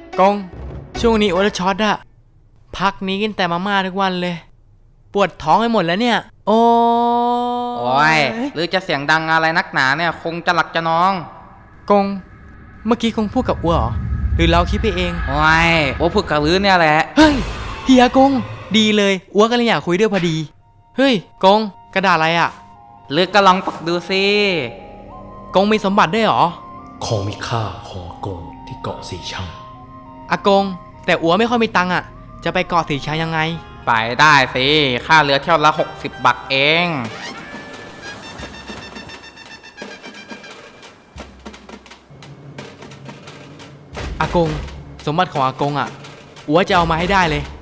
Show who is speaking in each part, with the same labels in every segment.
Speaker 1: กงช่วงนี้โอละช็อตอะพักนี้กินแต่มาม่าทุกวันเลยปวดท้องไปหมดแล้วเนี่ยโอ้
Speaker 2: ยหรือจะเสียงดังอะไรนักหนาเนี่ยคงจะหลักจะนอง
Speaker 1: กงเมื่อกี้กงพูดกับอัวเหรอหรือเราคิดไปเอง
Speaker 2: โอ้พูดกับลือเนี่ยแหละ
Speaker 1: เฮ้ยเฮียกงดีเลยอัวก็เลยอยากคุยด้วยพอดีเฮ้ยกงกระดาษอะไรอะ
Speaker 2: ลือก็ลองปักดูสิ
Speaker 1: กงมีสมบัติด้วยเหรอ
Speaker 3: ของมีค่าของอากงที่เกาะสีชัง
Speaker 1: อากงแต่อัวไม่ค่อยมีตังค์อะจะไปเกาะสีชังยังไง
Speaker 2: ไปได้สิค่าเรือเที่ยวละ60 บาทเอง
Speaker 1: อากงสมบัติของอากงอะอัวจะเอามาให้ได้เลย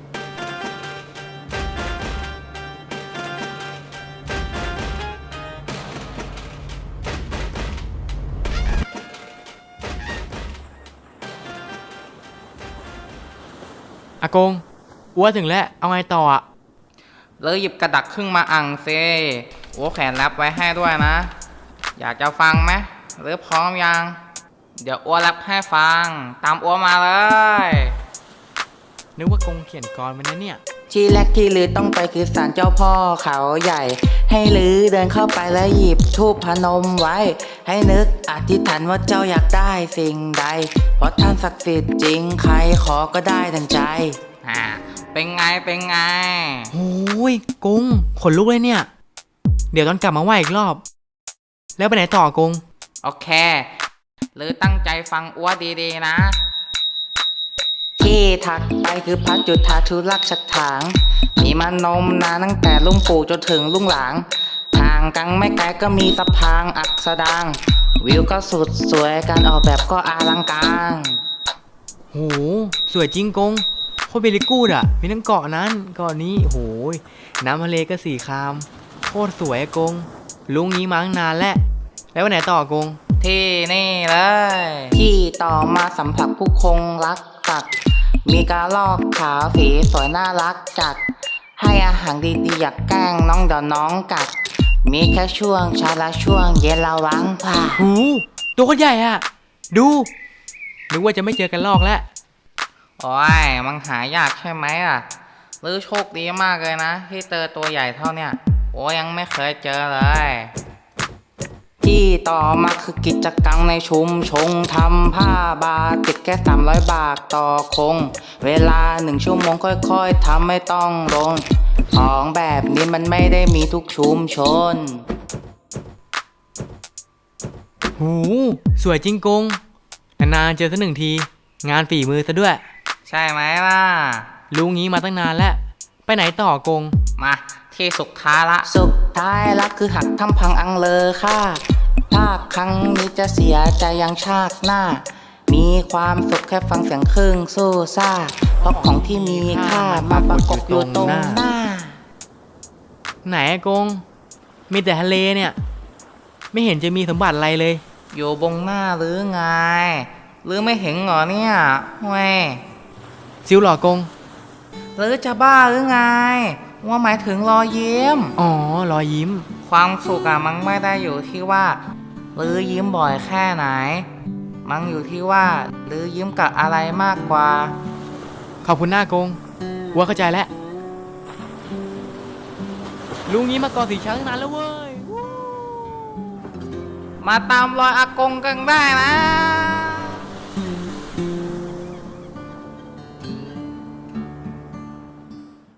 Speaker 1: อากงอัวถึงแล้วเอาไงต่ออะ
Speaker 2: เลยหยิบกระดักครึ่งมาอ่างเซโอ้แขนรับไว้ให้ด้วยนะอยากจะฟังไหมหรือพร้อมยังเดี๋ยวอ้วรับให้ฟังตามอ้วมาเลย
Speaker 1: นึกว่ากงเขียนกรมันนะเนี่ย
Speaker 4: ที่แรกที่ลือต้องไปคือศาลเจ้าพ่อเขาใหญ่ให้ลือเดินเข้าไปแล้วหยิบธูปพนมไว้ให้นึกอธิษฐานว่าเจ้าอยากได้สิ่งใดเพราะท่านศักดิ์สิทธิ์จริงใครขอก็ได้ดังใจ
Speaker 2: เป็นไง
Speaker 1: โอ้ยกงขนลุกเลยเนี่ยเดี๋ยวตอนกลับมาไหว้อีกรอบแล้วไปไหนต่อกง
Speaker 2: โอเคหรือตั้งใจฟังอ้วดีๆนะ
Speaker 4: ที่ถัดไปคือพระจุฑาธุรักษ์ฉัตรถางมีมานมนานตั้งแต่ลุงปู่จนถึงลุงหลางห่างกันไม่ไกลก็มีสะพานอักษดางวิวก็สุดสวยการออกแบบก็อลังการ
Speaker 1: โหสวยจริงกงโคตรเบลิกูดอ่ะมีทั้งเกาะนั้นเกาะนี้โหยน้ำทะเลก็สีครามโคตรสวยกงลุงนี้มาตั้งนานแล้วไปไหนต่อกง
Speaker 2: ที่นี่เลย
Speaker 4: ที่ต่อมาสัมผัสผู้คงรักสัตว์มีกระรอกขาวสีสวยน่ารักจัดให้อาหารดีๆอยากแกล้งน้องเดี๋ยวน้องกัดมีแค่ช่วงเช้าและช่วงเย็นระวังผ่า
Speaker 1: หูตัวคนใหญ่อ่ะดูนึกว่าจะไม่เจอกันลอกแล้ว
Speaker 2: มันหายากใช่ไหมอ่ะหรือโชคดีมากเลยนะที่เจอตัวใหญ่เท่าเนี้ยยังไม่เคยเจอเลย
Speaker 4: ที่ต่อมาคือกิจกรรมในชุมชนทำผ้าบาติกแค่300 บาทต่อคงเวลา1 ชั่วโมงค่อยๆทำไม่ต้องลงของแบบนี้มันไม่ได้มีทุกชุมชน
Speaker 1: หูสวยจริงกงนานๆเจอสัก1 ทีงานฝีมือซะด้วย
Speaker 2: ใช่ไหมล่ะ
Speaker 1: รู้งี้มาตั้งนานแล้วไปไหนต่อกง
Speaker 2: มาที่สุดท้ายละ
Speaker 4: คือหักทำพังอังเลอค่ะถ้าครั้งนี้จะเสียใจยังชาติหน้ามีความสุขแค่ฟังเสียงครึ่งสู้ซ่าเพราะของที่มีค่ามาประกบอยู่ตรงหน้า
Speaker 1: ไหนกงมีแต่ทะเลเนี่ยไม่เห็นจะมีสมบัติอะไรเลย
Speaker 2: อยู่บงหน้าหรือไงหรือไม่เห็นเหรอเนี่ยเว้ย
Speaker 1: ซิวหล่อกง
Speaker 2: หรือจะบ้าหรือไงว่าหมายถึงรอยยิ้ม
Speaker 1: อ๋อรอยยิ้ม
Speaker 2: ความสุขมันไม่ได้อยู่ที่ว่าหรือยิ้มบ่อยแค่ไหนมันอยู่ที่ว่าหรือยิ้มกับอะไรมากกว่า
Speaker 1: ขอบคุณหน้ากงว่าเข้าใจแล้วลุงนี้มาเกาะสีชังนานแล้วเว้ย
Speaker 2: มาตามรอยอากงกันได้นะ